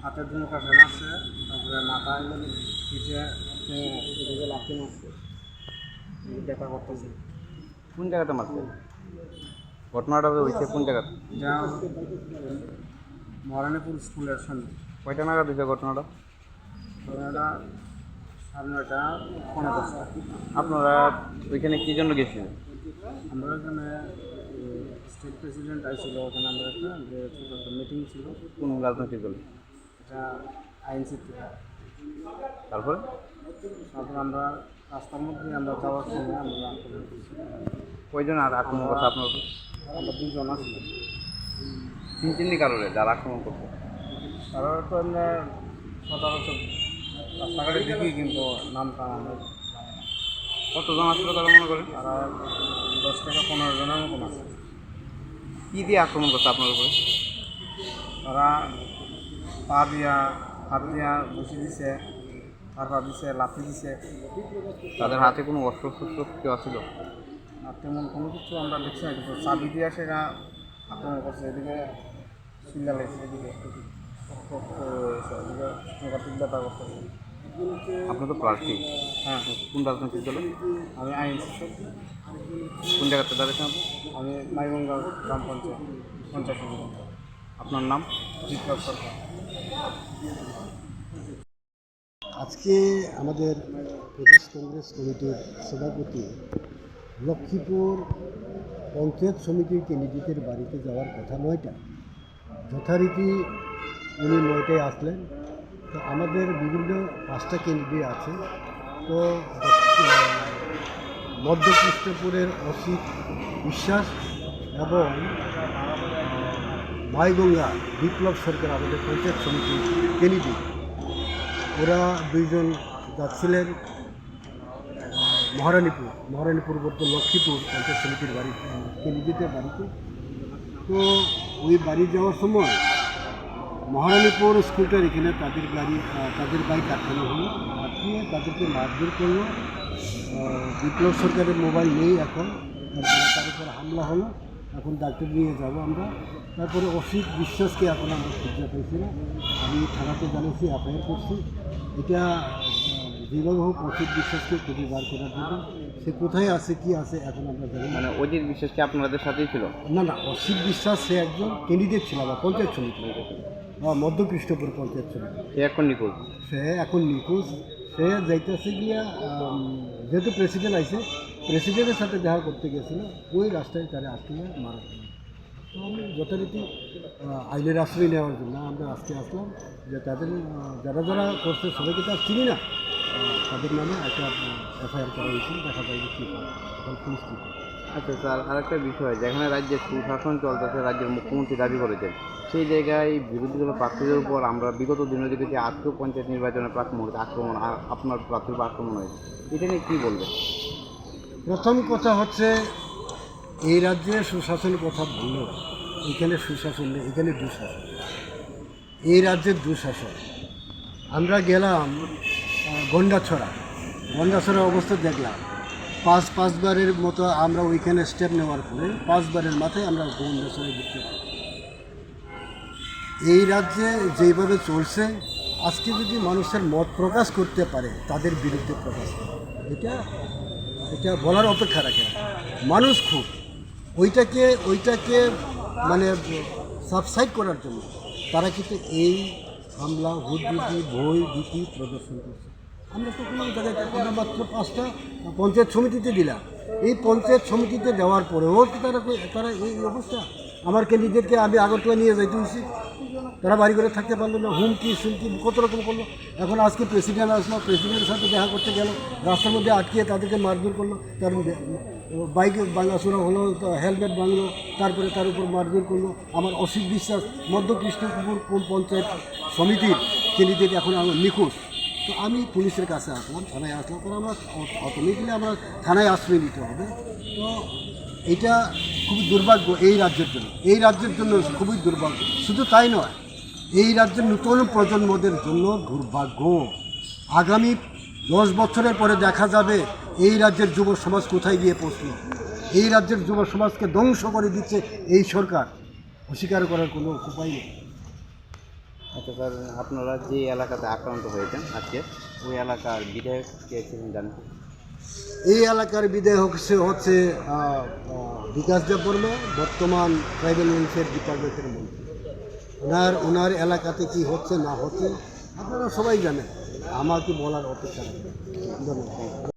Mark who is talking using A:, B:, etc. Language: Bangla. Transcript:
A: হাতে দুটো কাছে মারছে, তারপরে মাথায় পিঠে এদিকে লাথি মারছে, ব্যথা করতেছে।
B: কোন জায়গাতে মারছে? ঘটনাটা হয়েছে কোন জায়গাতে?
A: যা মহারানীপুর স্কুলের সামনে।
B: কয়টা নাগাদ হয়েছে ঘটনাটা?
A: ওনারা 9:30 15:10।
B: আপনারা ওইখানে কী জন্য গেছিলেন?
A: আমরা এখানে স্টেট প্রেসিডেন্ট আইছিল, ওখানে আমরা একটা যে ছোটো একটা মিটিং ছিল,
B: কোন রাজনৈতিক দল?
A: এটা আইনসিটি।
B: তারপরে
A: তারপর আমরা রাস্তার মধ্যে আমরা যাওয়ার সময় আমরা আক্রমণ করছি।
B: কয়জন আর আক্রমণ করছে আপনার উপর?
A: আমরা 2 জন আসলাম।
B: চিনি কারণে যারা আক্রমণ করছে?
A: তারা তো আমরা সচরাচর রাস্তাঘাটে দেখি, কিন্তু নামটা আমরা
B: কতজন আসলে তারা মনে করেন?
A: তারা 10 থেকে 15 জনের মতন আছে।
B: কী দিয়ে আক্রমণ করছে আপনার উপরে?
A: তারা পা দিয়া হাত দিয়া বসে দিছে, তারপর দিছে লাথি দিছে।
B: তাদের হাতে কোনো অস্ত্র শস্ত্র কেউ আসছিল?
A: আর তেমন কোনো কিছু আমরা দেখছি না, কিন্তু চাবি দিয়ে সেটা আক্রমণ করছে। এদিকে চিল্লা লাগছে, এদিকে এদিকে সাংঘাতিক ব্যাপার করতেছে।
B: আপনার তো প্রার্থী,
A: হ্যাঁ,
B: কোন রাজনৈতিক দল?
A: আমি আইনসি।
B: কোন জায়গাতে দাঁড়িয়েছেন আপনি?
A: আমি মাইগঙ্গা গ্রাম পঞ্চায়েত সমিতি।
B: আপনার নাম?
A: বিপ্লব সরকার।
C: আজকে আমাদের প্রদেশ কংগ্রেস কমিটির সভাপতি লক্ষ্মীপুর পঞ্চায়েত সমিতির ক্যান্ডিডেটের বাড়িতে যাওয়ার কথা 9টা, যথারীতি উনি 9টায় আসলেন। তো আমাদের বিভিন্ন 5টা ক্যান্ডিডেট আছে। তো মধ্যকৃষ্ণপুরের অসিত বিশ্বাস এবং মাইগঙ্গা বিপ্লব সরকার আমাদের পঞ্চায়েত সমিতির ক্যান্ডিডেট, ওরা 2 জন যাচ্ছিলেন মহারানীপুর বলতে লক্ষ্মীপুর পঞ্চায়েত সমিতির বাড়ি ক্যান্ডিডেটের বাড়িতে। তো ওই বাড়ি যাওয়ার সময় মহারানীপুর স্কুলটার এখানে তাদের বাইক আটকানো হলো, আটকিয়ে তাদেরকে মারধর করলো। বিপ্লব সরকারের মোবাইল নেই এখন, তারপরে তার উপর হামলা হলো। এখন ডাক্তার নিয়ে যাব আমরা। তারপরে অসিত বিশ্বাসকে এখন আমরা খুঁজে পাইছি না, আমি থানাতে জানিয়েছি, এফআইআর করছি। এটা যেভাবে হোক অসিত বিশ্বাসকে খুঁজে বার করার জন্য, সে কোথায় আছে কি আছে এখন আমরা জানি না।
B: মানে অজিত বিশ্বাস কি আপনাদের সাথেই ছিল?
C: না, অসিত বিশ্বাস সে একজন ক্যান্ডিডেট ছিল আমার পঞ্চায়েত সমিতি, মধ্যকৃষ্ণপুর পঞ্চায়েত সমিতি।
B: সে এখন নিখোঁজ?
C: সে এখন নিখোঁজ। সে যাইতেছে গিয়া, যেহেতু প্রেসিডেন্ট আইছে, প্রেসিডেন্টের সাথে দেখা করতে গেছিল, ওই রাস্তায় তারা আজকে মারা গেল। তো আমি যথারীতি আইনের আশ্রয় নেওয়ার জন্য আমরা আজকে আসলাম, যে তাদের যারা যারা করছে সবাইকে তো আর চিনি না, তাদের নামে একটা এফআইআর করা হয়েছে, দেখা যায় যে কী করে এখন পুলিশ কী করে।
B: আচ্ছা স্যার, আরেকটা বিষয়, যেখানে রাজ্যের সুশাসন চলতেছে, রাজ্যের মুখ্যমন্ত্রী দাবি করেছেন, সেই জায়গায় বিরোধী দলের প্রার্থীদের উপর আমরা বিগত দিনে দেখেছি আজকেও পঞ্চায়েত নির্বাচনের প্রাক মুহূর্তে আক্রমণ, আপনার প্রার্থীর উপর আক্রমণ হয়েছে, এটা নিয়ে কী বলবেন?
C: প্রথম কথা হচ্ছে, এই রাজ্যে সুশাসনের কথা বলল, এখানে সুশাসন নেই, এখানে দুঃশাসন। এই রাজ্যের দুঃশাসন। আমরা গেলাম গন্ডাছড়া অবস্থা দেখলাম। পাঁচবারের মতো আমরা ওইখানে স্টেপ নেওয়ার পরে 5বারের মাথায় আমরা গন্ডাছড়ায় ঢুকতে পারি। এই রাজ্যে যেইভাবে চলছে, আজকে যদি মানুষের মত প্রকাশ করতে পারে, তাদের বিরুদ্ধে প্রকাশ করে, এটা বলার অপেক্ষা রাখে না। মানুষ খুব ওইটাকে মানে সাবসাইড করার জন্য তারা কিন্তু এই হামলা, হুদবুদ্ধি, ভয় ভীতি প্রদর্শন করছে। আমরা তো কোনো জায়গায় আমরা মাত্র 5টা পঞ্চায়েত সমিতিতে দিলাম। এই পঞ্চায়েত সমিতিতে দেওয়ার পরেও কি তারা এই অবস্থা। আমার ক্যান্ডিডেটকে আমি আগরতলা নিয়ে যাইতে হয়েছি, তারা বাড়ি করে থাকতে পারলো না, হুমকি সুমকি কত রকম করলো। এখন আজকে প্রেসিডেন্ট আসলো, প্রেসিডেন্টের সাথে দেখা করতে গেল, রাস্তার মধ্যে আটকিয়ে তাদেরকে মারধর করলো, তার বাইক ভাঙাচোরা হলো, হেলমেট ভাঙলো, তারপরে তার উপর মারধর করলো। আমার অসিত বিশ্বাস মধ্যকৃষ্ণপুর পঞ্চায়েত সমিতির ক্যান্ডিডেট এখন আমার নিখোঁজ। তো আমি পুলিশের কাছে আসলাম, থানায় আসলাম, কারণ আমরা অটোমেটিক্যালি আমরা থানায় আশ্রয় নিতে হবে। তো এটা খুবই দুর্ভাগ্য এই রাজ্যের জন্য খুবই দুর্ভাগ্য। শুধু তাই নয়, এই রাজ্যের নতুন প্রজন্মদের জন্য দুর্ভাগ্য। আগামী 10 বছরের পরে দেখা যাবে এই রাজ্যের যুব সমাজ কোথায় গিয়ে পৌঁছল। এই রাজ্যের যুব সমাজকে ধ্বংস করে দিচ্ছে এই সরকার, অস্বীকার করার কোনো উপায় নেই।
B: আচ্ছা স্যার, আপনারা যে এলাকাতে আক্রান্ত হয়েছেন আজকে, ওই এলাকার বিধায়ক কে ছিলেন জানেন?
C: এই এলাকার বিধায়ক হচ্ছে বিকাশ দেববর্মা, বর্তমান ট্রাইবেল ওয়েলফেয়ার ডিপার্টমেন্টের মন্ত্রী। ওনার এলাকাতে কি হচ্ছে না হচ্ছে আপনারা সবাই জানেন, আমাকে বলার অপেক্ষা রাখবেন। ধন্যবাদ।